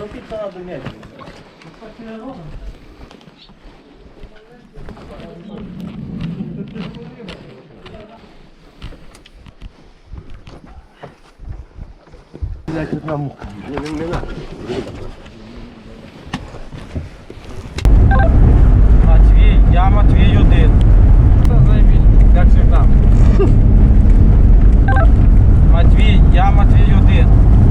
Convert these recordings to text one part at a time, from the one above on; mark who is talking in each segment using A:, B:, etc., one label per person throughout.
A: торопиться надо медленно.
B: Матвій, я Матвій один. Це заєбіть, як завжди. Матвій, я Матвій один.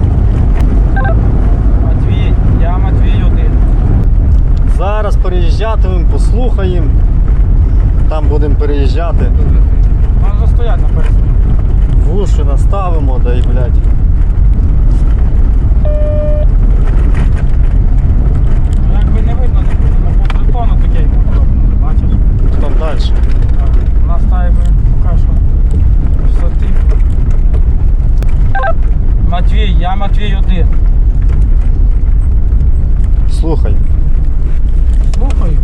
B: Матвій, я Матвій один.
C: Зараз переїжджатимемо, послухаємо. Там будемо переїжджати.
B: Можна стоять на пересні.
C: Вуші наставимо, да й блядь.
B: Ну, якби не видно, не буде. Ну, по притону такий не бачиш.
C: Там далі.
B: У нас та якби поки що висоти. Матвій, я Матвій один.
C: Слухай.
B: Слухай.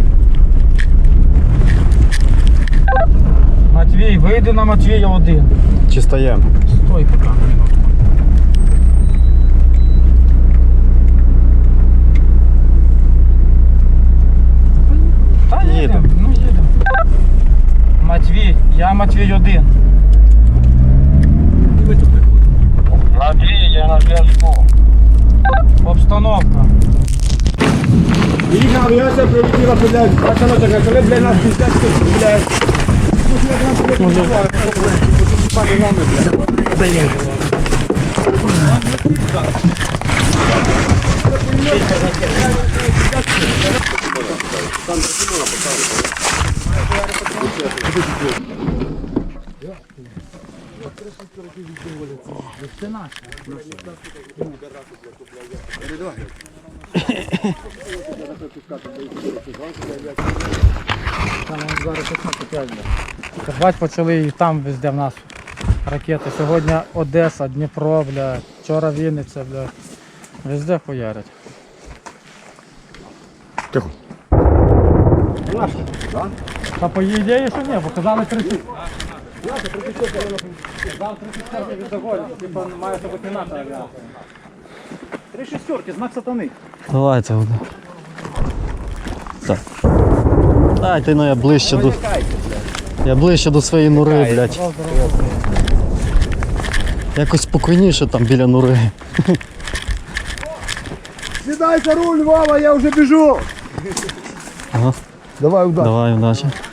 B: Матвій, вийди на Матвія один.
C: Чи стаємо?
B: Стой поки. Та їдемо, ну їдемо. Матвій, я Матвій один.
A: Матвій, я на зв'язку.
B: Обстановка.
D: Їхня авіація прилетіла, блядь, пацано таке, коли, блядь, нас піздець, блядь.
B: Там зараз 15. Бать почали і там везде в нас ракети. Сьогодні Одеса, Дніпро, бля, вчора Вінниця, бля. Везде хуярять.
C: Тихо.
B: Та по її ідеї, що ні, бо казали 30. Казав 34 від доголі, типу має бути НАТО авіація. 3 шістерки, знак сатани.
C: Давайте воно. Так. Дайте, ну я ближче до своєї нори, блядь. Якось спокійніше там біля нори.
D: Сідай за руль, Вова, я вже біжу.
C: Ага.
D: Давай, удачі.
C: Давай, удачі.